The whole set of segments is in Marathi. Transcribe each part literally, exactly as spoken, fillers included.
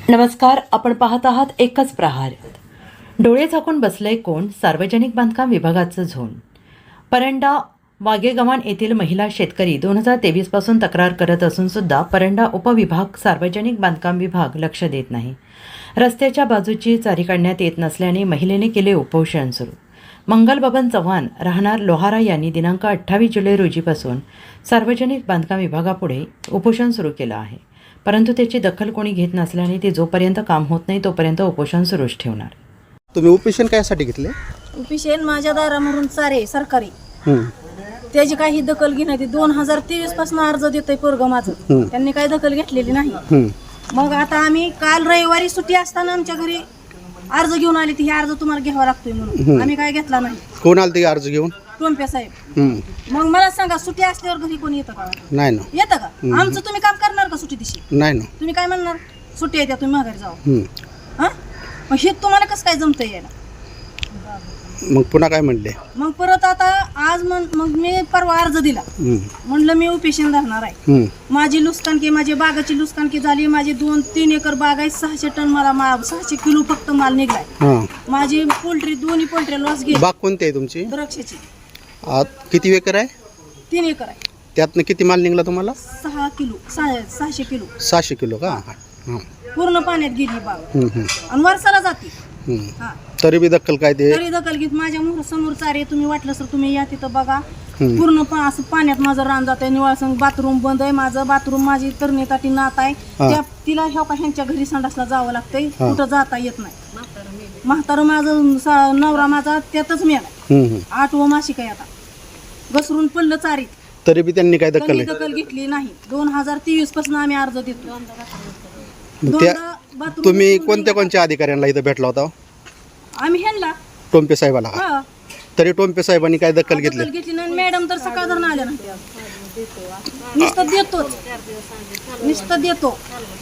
नमस्कार, आपण पाहत आहात एकच प्रहार. डोळे झाकून बसलंय कोण? सार्वजनिक बांधकाम विभागाचं झोन. परंडा वागेगव्हाण येथील महिला शेतकरी दोन हजार तेवीस पासून तक्रार करत असून सुद्धा परंडा उपविभाग सार्वजनिक बांधकाम विभाग लक्ष देत नाही. रस्त्याच्या बाजूची चारी काढण्यात येत नसल्याने महिलेने केले उपोषण सुरू. मंगल बबन चव्हाण राहणार लोहारा यांनी दिनांक अठ्ठावीस जुलै रोजीपासून सार्वजनिक बांधकाम विभागापुढे उपोषण सुरू केलं आहे. परंतु त्याची दखल कोणी घेत नसल्याने ते जोपर्यंत काम होत नाही तोपर्यंत उपोषण सुरूच ठेवणार. तुम्ही उपोषण कायसाठी घेतले? उपोषण माझ्या दारामधून चारे सरकारी हम्म. त्याची काही दखल घेण्यात येते. दोन हजार तेवीस पासून अर्ज देतोय पोरग माझं, हम्म. त्यांनी काही दखल घेतलेली नाही. हम्म. मग आता आम्ही काल रविवारी सुट्टी असताना आमच्या घरी अर्ज घेऊन आली. ती हे अर्ज तुम्हाला घ्यावा लागतोय म्हणून आम्ही काय घेतला नाही. कोण आलं ते अर्ज घेऊन? टोंप्या साहेब. हम्म. मग मला सांगा, सुट्टी असल्यावर घरी कोणी येतं का? नाही ना. येतं का? आमचं तुम्ही काम करणार का सुट्टी दिवशी? नाही ना. तुम्ही काय म्हणणार? सुट्टी येत्या, तुम्ही माघारी जावा. हम्म. हा, मग हे तुम्हाला कसं काय जमतं यायला? मग पुन्हा काय म्हणले? मग परत आता आज म्हण मग मी परवा अर्ज दिला. हम्म. म्हणलं मी उपेशन धरणार आहे. हम्म. माझी लुस्कानकी, माझी बागाची लुस्कानकी झाली. माझी दोन तीन एकर बाग आहे. सहाशे टन मला मा सहाशे किलो फक्त माल निघलाय. हां. माझी पोल्ट्री दोन्ही पोल्ट्री लॉस गेली. बाग कोणती आहे तुमची? द्राक्षाची आत किती एकर आहे? तीन एकर आहे. त्यातनं किती माल निघाला तुम्हाला? सहा किलो सहा सहाशे किलो सहाशे किलो का? हां. पूर्ण पाण्यात गेली बाग. हम्म. हम्म. आणि वर्षाला जाते. हम्म. हा, तरी बी दखल काय ते? तरी दखल घेत. माझ्या मोर समोर चारे, तुम्ही वाटलं सर तुम्ही या तिथं बघा. हम्म. पूर्ण पा असं पाण्यात माझं रान जात आहे. निवाळ संग बाथरूम बंद आहे. माझं बाथरूम माझी तरणी नात आहे. हा. त्या तिला ह्या का ह्यांच्या घरी संडासला जावं लागतंय. हा. कुठं जाता येत नाही. म्हातारं माझं सा- नवरा माझा त्यातच मेला. हम्म. हम्म. आठवं मासिक आहे आता. घसरून पडलं चारीत. तरी बी त्यांनी काय दखल त्यांनी आहे? दखल घेतली नाही. दोन हजार तेवीस पासून आम्ही अर्ज देतो. मग त्या दोनदा bathroom तुम्ही उचलून कोणत्या कोणत्या अधिकाऱ्यांना इथं भेटला होता? आम्ही ह्यांना टोंपे साहेबाला का? हा, तरी टोंपे साहेबांनी काय दखल घेतली? दखल घेतली नाही. मॅडम तर सकाळ धरून आल्या नाही. नुसतं देतोच, नुसतं देतो.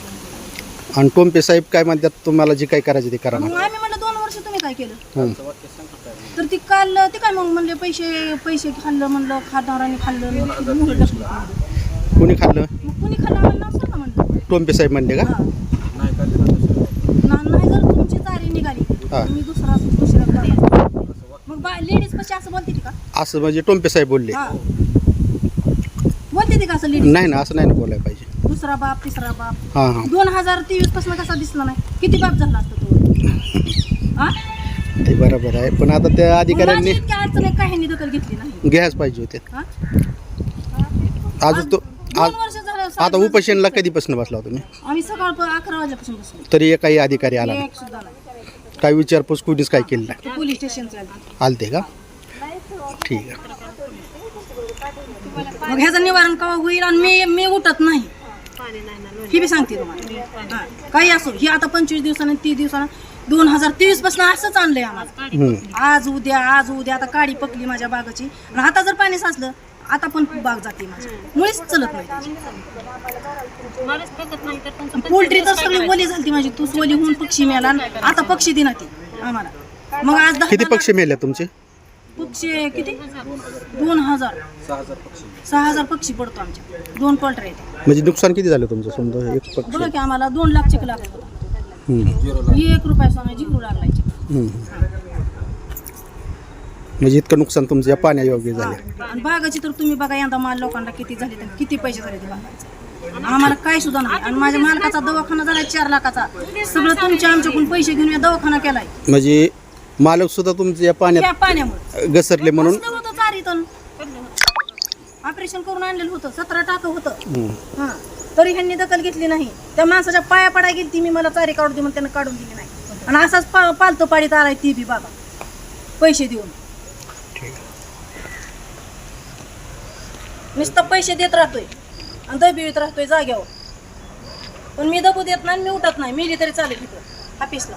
आणि टोंपे साहेब काय म्हणतात, तुम्हाला जे काय करायचे ते करा ना? मग आम्ही म्हणलं दोन वर्ष तुम्ही काय केलं? हम्म. तर ती काल ते काय मग म्हणले पैसे पैसे खाल्लं. म्हणलं खाणाराने खाल्लं. मग मुलं टाकली. कोणी खाल्लं? मग कुणी खाल्लं आम्हाला नाव सांगा म्हणलं. टोंपे साहेब म्हणले का? हा. ना- नाही जर तुमची चारी निघाली हा. तुम्ही दुसरा दुसऱ्या करायचा. मग बा लेडीज कशी असं बोलते ती का? असं म्हणजे टोंपे साहेब बोलले? हा, बोलते ती का असं लेडीज? नाही ना, असं नाही ना बोलायला पाहिजे. दुसरा बाप तिसरा बाप. हां हां. दोन हजार तेवीस पासून कसा दिसला नाही? किती बाप झाला असता तो? हा, ते बरोबर आहे, पण आता त्या मग अधिकाऱ्यांनी माझी इतक्या अडचण आहे, काहींनी दखल घेतली नाही. घ्यायच पाहिजे होते. हा? आज तो दोन आज वर्ष झालं. आता उपोषणला कधीपासून बसला तुम्ही? आम्ही सकाळ अकरा वाजल्यापासून बसलो. तरी काही अधिकारी आला नाही? एक सुद्धा नाही. काही विचारपूस कुणीच काय केलं नाही? ते पोलीस स्टेशनचं आहे. आलते का? ठीक आहे. मग ह्याचं निवारण केव्हा होईल? आणि मी मी उठत नाही, ही बी सांगते तुम्हाला. हा, काही असो. ही आता पंचवीस दिवसानं तीस दिवसानं दोन हजार तेवीस पासून असंच आणलंय आम्हाला. हम्म. आज उद्या आज उद्या आता काडी पकली माझ्या बागाची. आणि आता जर पाणी साचलं आता पण बाग जाते माझी. मुळीच चलत नाही त्याची. पोल्ट्री तर सगळी ओली झाली माझी. तू ओली होऊन पक्षी मिळाला. आता पक्षी दिना ती आम्हाला. मग आज दहा किती पक्षी मेले तुमचे? पक्षी किती? दोन हजार सहा हजार पक्षी पडतो आमच्या. दोन पोल्ट्री आहेत. म्हणजे नुकसान किती झालं तुमचं समजा एक पक्षी? बघा की आम्हाला दोन लाख चेक लागत होता. हम्म. एक रुपया सोनं जिरू लागलाय. हम्म. म्हणजे इतकं नुकसान तुमचं या पाण्यायोग्य झालं. आणि बागाची तर तुम्ही बघा यंदा माल लोकांना किती झाले, तर किती पैसे झाले ते बागाचे. आम्हाला काय सुद्धा नाही. आणि माझ्या मालकाचा दवाखाना झाला चार लाखाचा. सगळं तुमच्या आमच्याकडून पैसे घेऊन मी दवाखाना केलाय. म्हणजे मालक सुद्धा तुमच्या या त्या पाण्यात पाण्यामुळे घसरले म्हणून? कसलं होतं चारीतून ऑपरेशन करून आणलेलं होतं. सतरा टाकं होतं. हम्म. हा, तरी ह्यांनी दखल घेतली नाही. त्या माणसाच्या पाया पडाय गेली ती. मी मला चारी काढून दे म्हणून त्यानं काढून दिली नाही. आणि असाच पा पालतो पाडीत आलाय ती बी बाबा पैसे देऊन. नुसतं पैसे देत राहतोय आणि दबीत राहतोय जाग्यावर. पण मी दबू देत नाही. मी उठत नाही. मी तरी चालेल तिथं ऑफिसला.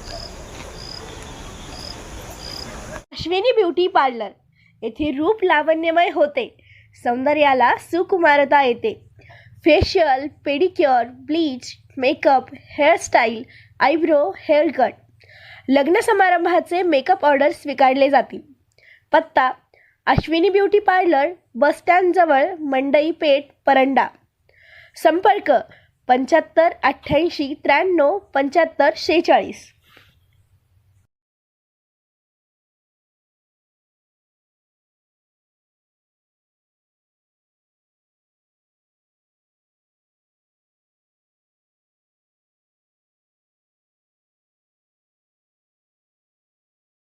अश्विनी ब्युटी पार्लर येथे रूप लावण्यमय होते. सौंदर्याला सुकुमारता येते. Facial, pedicure, bleach, makeup, hairstyle, eyebrow, hair cut, लग्न समारंभाचे मेकअप ऑर्डर स्वीकारले जातील. पत्ता अश्विनी ब्युटी पार्लर, बसस्टँडजवळ, मंडई पेठ, परंडा. संपर्क पंच्याहत्तर अठ्ठ्याऐंशी त्र्याण्णव पंच्याहत्तर शेहेचाळीस.